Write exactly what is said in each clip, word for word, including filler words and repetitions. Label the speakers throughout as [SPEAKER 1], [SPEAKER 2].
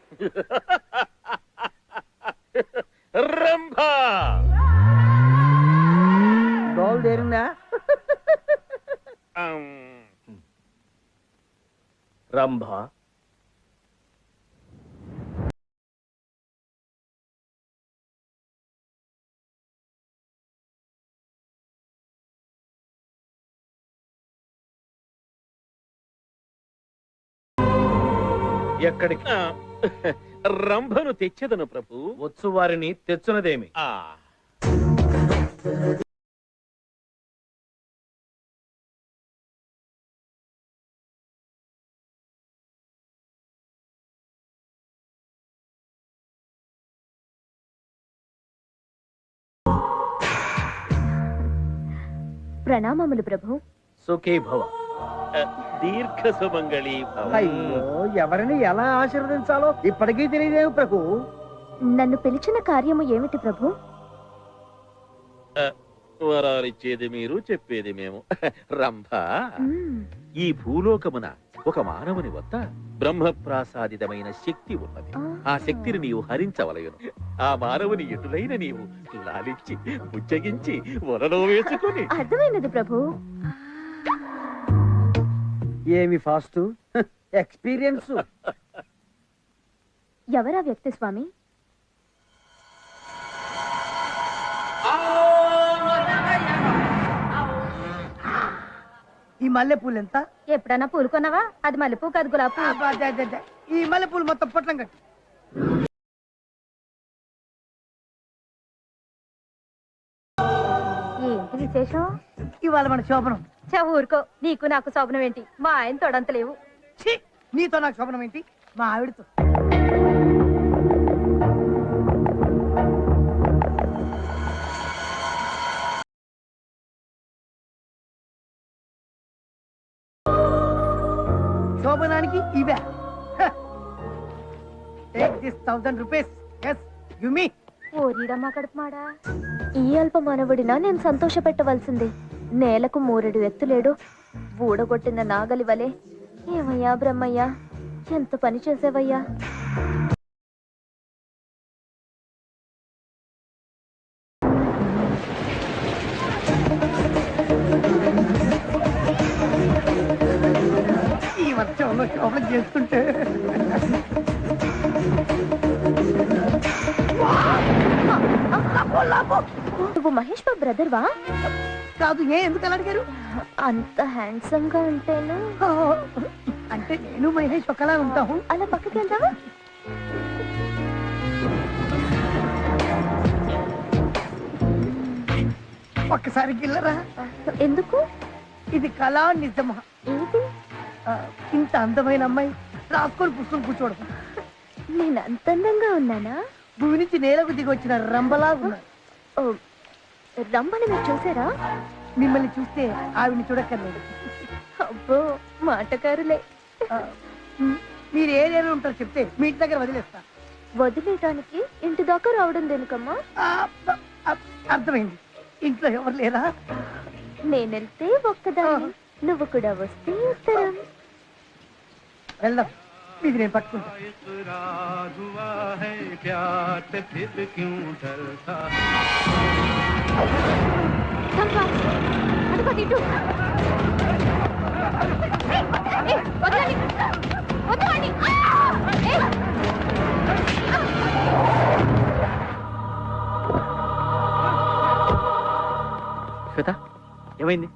[SPEAKER 1] రంభా
[SPEAKER 2] డోల్ దేరిందా?
[SPEAKER 1] రంభా ఎక్కడికి? రంభను తెచ్చదను ప్రభు. వచ్చు వారిని తెచ్చునదేమి? ఆ
[SPEAKER 3] ప్రణామములు ప్రభు.
[SPEAKER 1] సుఖీ భవ. దీర్ఘ సుమంగళి భవ.
[SPEAKER 2] అయ్యో, ఎవరిని ఎలా ఆశీర్వదించాలో ఇప్పటికీ తెలియదేవు ప్రభు.
[SPEAKER 3] నన్ను పిలిచిన కార్యము ఏమిటి ప్రభు?
[SPEAKER 1] వరాలిచ్చేది మీరు, చెప్పేది మేము. రంభ,
[SPEAKER 3] మ్మ్.
[SPEAKER 1] ఈ భూలోకమున ఒక మానవుని వద్ద బ్రహ్మప్రాసాదితమైన శక్తి ఉన్నది. ఆ శక్తిని నీవు హరించవలయును. ఆ మానవుని ఎటులైన నీవు లాలించి బుజ్జగించి వలలో వేసుకుని.
[SPEAKER 3] అర్థమైనది ప్రభు.
[SPEAKER 2] ఏమి ఫాస్ట్ ఎక్స్పీరియన్స్.
[SPEAKER 3] ఎవరా వ్యక్తి స్వామి?
[SPEAKER 2] ఈ మల్లెపూలు ఎంత?
[SPEAKER 3] ఎప్పుడన్నా పూలు కొన్నావా? అది మల్లెపూ కాదు, గులాబీ.
[SPEAKER 2] అబ్బా, అదే, అదే, అదే. ఈ మల్లెపూలు మొత్తం పొట్లం కట్టి.
[SPEAKER 3] ఏంటి విశేషం?
[SPEAKER 2] ఇవాళ మన శోభనం.
[SPEAKER 3] చా ఊరుకో, నీకు నాకు శోభనం ఏంటి? మా ఆయన తొడంతలేవు.
[SPEAKER 2] ఛీ, నీతో నాకు శోభనం ఏంటి? మా ఆవిడతో. శోభనానికి ఇవే. Take this thousand rupees. Yes, give me.
[SPEAKER 3] ఓరిడమ్మా కడుపుమాడా, ఈ అల్ప మానవుడినా నేను సంతోష పెట్టవలసింది. నేలకు మూరెడు ఎత్తులేడు, బూడగొట్టిన నాగలి వలె. ఏమయ్యా బ్రహ్మయ్యా, ఎంత పని చేసేవయ్యా.
[SPEAKER 2] ఈ వర్షంలో శోభనం చేస్తుంటే
[SPEAKER 3] నువ్వు మహేష్ బాబు బ్రదర్ వా?
[SPEAKER 2] కాదు. ఏ ఎందుకు అలా అడిగారు?
[SPEAKER 3] అంత హ్యాండ్సమ్ గా ఉంటేను.
[SPEAKER 2] అంటే నేను మహేష్ ఒకలా ఉంటాము.
[SPEAKER 3] అలా పక్కకి వెళ్తావా?
[SPEAKER 2] ఒక్కసారి గిల్లరా.
[SPEAKER 3] ఎందుకు?
[SPEAKER 2] ఇది కళా నిజమా?
[SPEAKER 3] ఏంటి?
[SPEAKER 2] ఆ, ఇంత అందమైన అమ్మాయి రాసుకొని పుస్తకం కూర్చోవడం.
[SPEAKER 3] నేను అంత అందంగా ఉన్నానా?
[SPEAKER 2] భూమి నుంచి నేలకు దిగి వచ్చిన రంబలా ఉన్నా.
[SPEAKER 3] ఓ, రమ్మని మీరు చూసారా?
[SPEAKER 2] మిమ్మల్ని చూస్తే ఆవిడ్ని చూడక్కర్లేదు.
[SPEAKER 3] అబ్బో, మాటకారులే.
[SPEAKER 2] ఆ, మీరు ఏ ఏరియాలో ఉంటారో చెప్తే మీ ఇంటి దగ్గర వదిలేస్తా.
[SPEAKER 3] వదిలేయటానికి ఇంటి దాకా రావడం దేనికమ్మా?
[SPEAKER 2] ఆ, ఆ, అర్థమైంది. ఇంట్లో ఎవరు లేరా?
[SPEAKER 3] నేనెళ్తే ఒక్కదాన్ని, నువ్వు కూడా వస్తే ఉత్తరం.
[SPEAKER 2] వెళ్దాం, ఇది నేను పట్టుకుంటా.
[SPEAKER 3] చంపా, అదిగో తిట్టు. ఏయ్, వదలండి, వదలండి. ఆ! ఏయ్!
[SPEAKER 1] శ్వేత, ఏమైంది?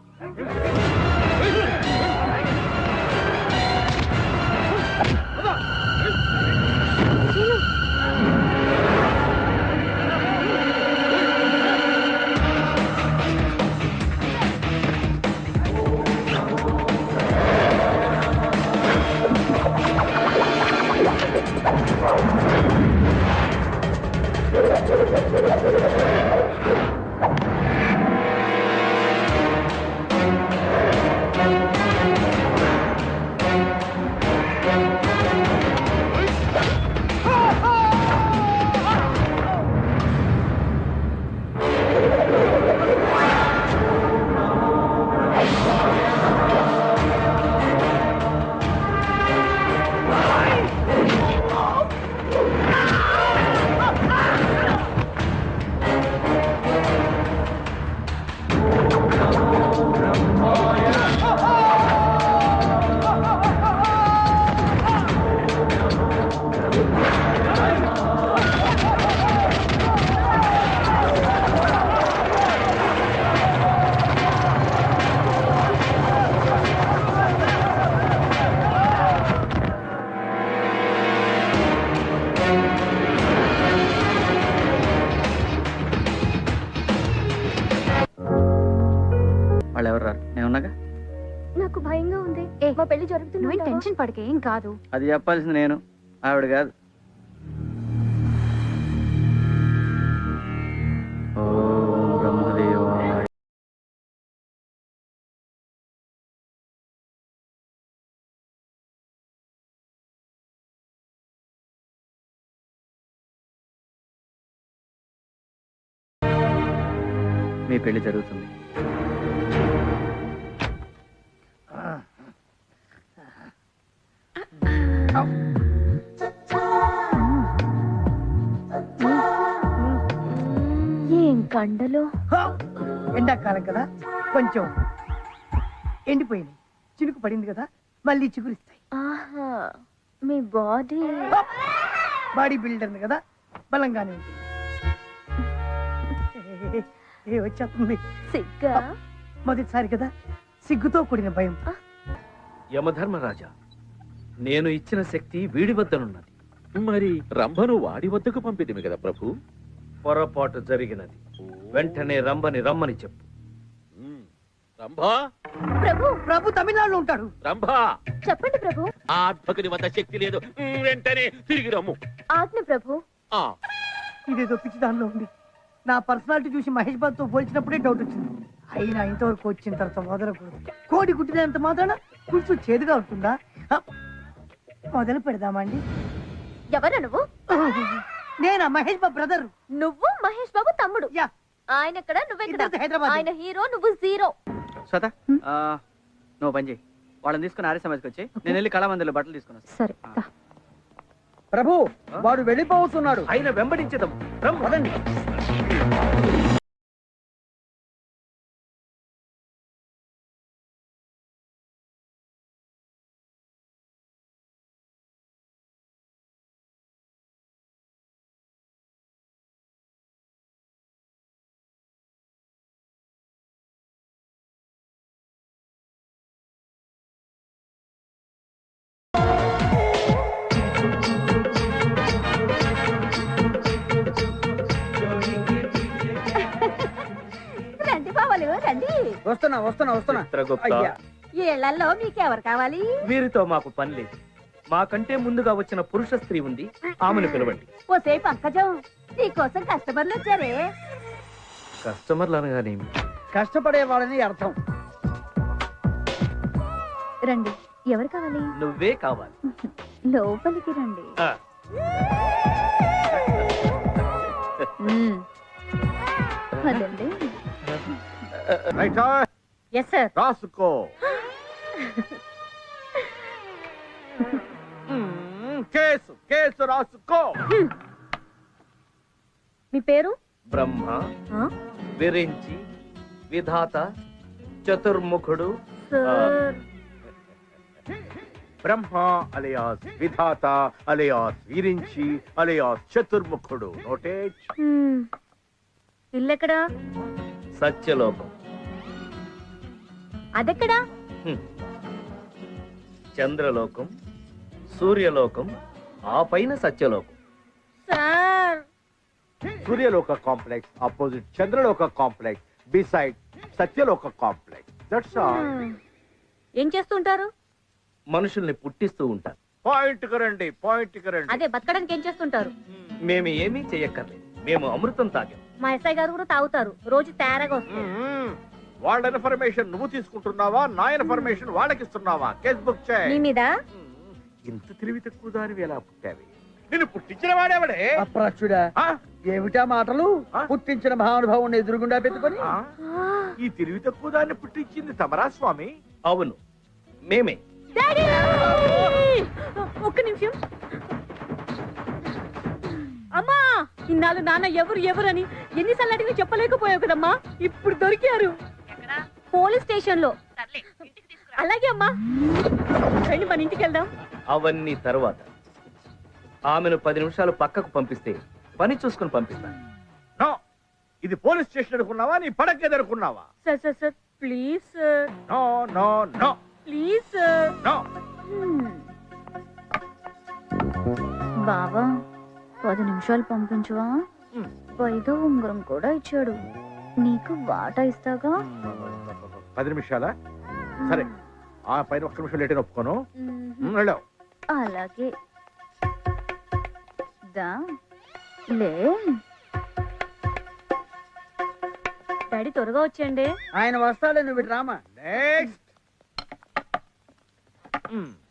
[SPEAKER 3] మా పెళ్లి జరుగుతుంది.
[SPEAKER 4] నువ్వేం టెన్షన్ పడకే, ఏం కాదు.
[SPEAKER 5] అది చెప్పాల్సింది నేను, ఆవిడ కాదు. ఓం బ్రహ్మదేవాయ. మీ పెళ్లి జరుగుతుంది.
[SPEAKER 3] ఏం కండలు.
[SPEAKER 2] ఎండాకాలం కదా, కొంచెం ఎండిపోయింది. చినుకు పడింది కదా, మళ్ళీ చిగురిస్తాయి.
[SPEAKER 3] ఆహా, మీ బాడీ.
[SPEAKER 2] బాడీ బిల్డర్ కదా, బలంగానే ఉంటుంది. ఏ వచ్చేస్తుంది.
[SPEAKER 3] సిగ్గా.
[SPEAKER 2] మొదటిసారి కదా, సిగ్గుతో కూడిన భయం.
[SPEAKER 6] యమధర్మరాజా, నేను ఇచ్చిన శక్తి వీడి వద్దనున్నది.
[SPEAKER 1] మరి రంభను వాడి వద్దకు పంపితిమి కదా ప్రభు.
[SPEAKER 6] పొరపాటు జరిగినది. వెంటనే రంభని రమ్మని చెప్పు.
[SPEAKER 1] ఉమ్, రంభా,
[SPEAKER 2] ప్రభు ప్రభు తమిళనాడులో ఉంటాడు.
[SPEAKER 1] రంభా,
[SPEAKER 3] చెప్పండి ప్రభు.
[SPEAKER 1] ఆ అద్భకుని వద్ద శక్తి లేదు. ఉమ్, వెంటనే తిరిగి రమ్ము.
[SPEAKER 3] ఆజ్ఞ ప్రభు.
[SPEAKER 1] ఆ
[SPEAKER 2] ఇదేదో పిచ్చి దానిలో ఉంది. నా పర్సనాలిటీ చూసి మహేష్ బాబు తో పోల్చినప్పుడే డౌట్ వచ్చింది. అయినా ఇంతవరకు వచ్చిన తర్వాత మొదలకూడదు. కోడి గుట్టినంత మాత్రాన పులుసు చేదుగా ఉంటుందా? హ, మొదలు పెడదామండి.
[SPEAKER 3] ఎవరు నువ్వు?
[SPEAKER 2] నేనా మహేష్ బాబు బ్రదర్.
[SPEAKER 3] నువ్వు మహేష్ బాబు తమ్ముడు.
[SPEAKER 2] యా,
[SPEAKER 3] ఆయన ఎక్కడ, నువ్వెక్కడ?
[SPEAKER 2] ఇద్దరిది హైదరాబాద్.
[SPEAKER 3] ఆయన హీరో, నువ్వు జీరో.
[SPEAKER 5] శ్వేత, ఆ, నువ్వు పని చేయి. వాళ్ళని తీసుకుని ఆర్య సమాజ్కి వచ్చి నేను వెళ్ళి కళామందిలో బట్టలు తీసుకున్నాను.
[SPEAKER 4] సరే దా.
[SPEAKER 2] ప్రభు వాడు వెళ్ళిపోతున్నాడు.
[SPEAKER 6] ఆయన వెంబడించదం.
[SPEAKER 2] పదండి.
[SPEAKER 4] రండి బావలు రండి.
[SPEAKER 2] వస్తున్నా వస్తున్నా వస్తున్నా.
[SPEAKER 6] చిత్రగుప్త,
[SPEAKER 2] అయ్యా,
[SPEAKER 4] ఈ ఇళ్లలో మీకెవరు కావాలి?
[SPEAKER 6] వీరితో మాకు పని లేదు. మాకంటే ముందుగా వచ్చిన పురుష స్త్రీ ఉంది, ఆమెను పిలవండి.
[SPEAKER 4] ఓసే పంకజం, నీకోసం కస్టమర్లు వచ్చారే.
[SPEAKER 6] కస్టమర్లు అనగానేమి?
[SPEAKER 2] కష్టపడే వాళ్ళని అర్థం.
[SPEAKER 4] రండి, ఎవరు కావాలి?
[SPEAKER 6] నువ్వే కావాలి.
[SPEAKER 4] లోపలికి రండి.
[SPEAKER 6] ఆ,
[SPEAKER 4] మ్మ్. పదండి. Yes sir.
[SPEAKER 1] రాసుకో. కేసు కేసు రాసుకో.
[SPEAKER 4] మీ పేరు?
[SPEAKER 6] బ్రహ్మ,
[SPEAKER 4] ఆ?
[SPEAKER 6] విరించి, విధాత, చతుర్ముఖుడు.
[SPEAKER 4] Sir,
[SPEAKER 7] Brahma alias Vidhata alias Virinchi alias చతుర్ముఖుడు. నోటేజ్.
[SPEAKER 4] మ్మ్. ఇల్లెక్కడా?
[SPEAKER 6] సత్యలోకం.
[SPEAKER 4] అదెక్కడా?
[SPEAKER 6] హ్మ్. చంద్రలోకం, సూర్యలోకం, ఆ పైన Satyalokam.
[SPEAKER 4] Sir,
[SPEAKER 7] Suryaloka complex opposite Chandraloka complex beside Satyaloka complex. That's all.
[SPEAKER 4] మ్మ్. ఏం చేస్తుంటారు?
[SPEAKER 6] మనుషుల్ని పుట్టిస్తూ ఉంటారు.
[SPEAKER 7] పాయింట్ కి రండి, పాయింట్ కి రండి.
[SPEAKER 4] అదే బతకడానికి ఏం చేస్తుంటారు?
[SPEAKER 6] మేము ఏమీ చెయ్యక్కర్లేదు. మేము అమృతం తాగాం.
[SPEAKER 4] మా ఎస్ఐ గారు కూడా తాగుతారు, రోజు తేరగా వస్తుంది.
[SPEAKER 7] మ్మ్. వాళ్ళ ఇన్ఫర్మేషన్ నువ్వు తీసుకుంటున్నావా, నా ఇన్ఫర్మేషన్ వాళ్ళకి ఇస్తున్నావా? కేస్ బుక్
[SPEAKER 4] మీ
[SPEAKER 7] చేయి.
[SPEAKER 4] మీద
[SPEAKER 7] ఇంత తెలివి తక్కువ దానివి ఎలా పుట్టావి? నిన్ను పుట్టించిన వాడేవాడే?
[SPEAKER 2] అప్రాచ్యుడా,
[SPEAKER 7] ఆ?
[SPEAKER 2] ఏమిటా మాటలు?
[SPEAKER 7] ఆ?
[SPEAKER 2] పుట్టించిన మహానుభావుని ఎదురుగుండా పెట్టుకొని
[SPEAKER 7] ఆ? ఈ తెలివి తక్కువ దాన్ని పుట్టించింది తమరా స్వామి?
[SPEAKER 6] అవును, మేమే.
[SPEAKER 4] డాడీ! ఒక్క నిమిషం. అమ్మా, ఇన్నాళ్ళు నాన్న ఎవరు ఎవరని ఎన్నిసార్లు అడిగినా చెప్పలేకపోయావు కదమ్మా, ఇప్పుడు దొరికారు. పోలీస్ స్టేషన్ లో. అలాగే అమ్మా, రండి మన ఇంటికి వెళ్దాం.
[SPEAKER 6] అవన్నీ తరువాత. ఆమెను పది నిమిషాలు పక్కకు పంపిస్తే పని చూసుకుని పంపిస్తాను.
[SPEAKER 7] నో, ఇది పోలీస్ స్టేషన్ అనుకున్నావా, నీ పడక ఎదుర్కొన్నావా?
[SPEAKER 4] Sir sir sir please sir,
[SPEAKER 7] no no no
[SPEAKER 4] please sir.
[SPEAKER 7] No.
[SPEAKER 4] బావా, పది నిమిషాలు పంపించవా? పైగా ఉంగరం కూడా ఇచ్చాడు. నీకు వాటా ఇస్తాగా.
[SPEAKER 7] పది నిమిషాలా? సరే, ఆ పైన ఒక్క నిమిషం లేట్ ఒప్పుకోను
[SPEAKER 3] మ్మ్.
[SPEAKER 7] వెళ్ళావు
[SPEAKER 3] అలాగే దా లే
[SPEAKER 4] డాడీ త్వరగా వచ్చేయండి.
[SPEAKER 2] ఆయన వస్తాడే నువ్వు రామా.
[SPEAKER 7] నెక్స్ట్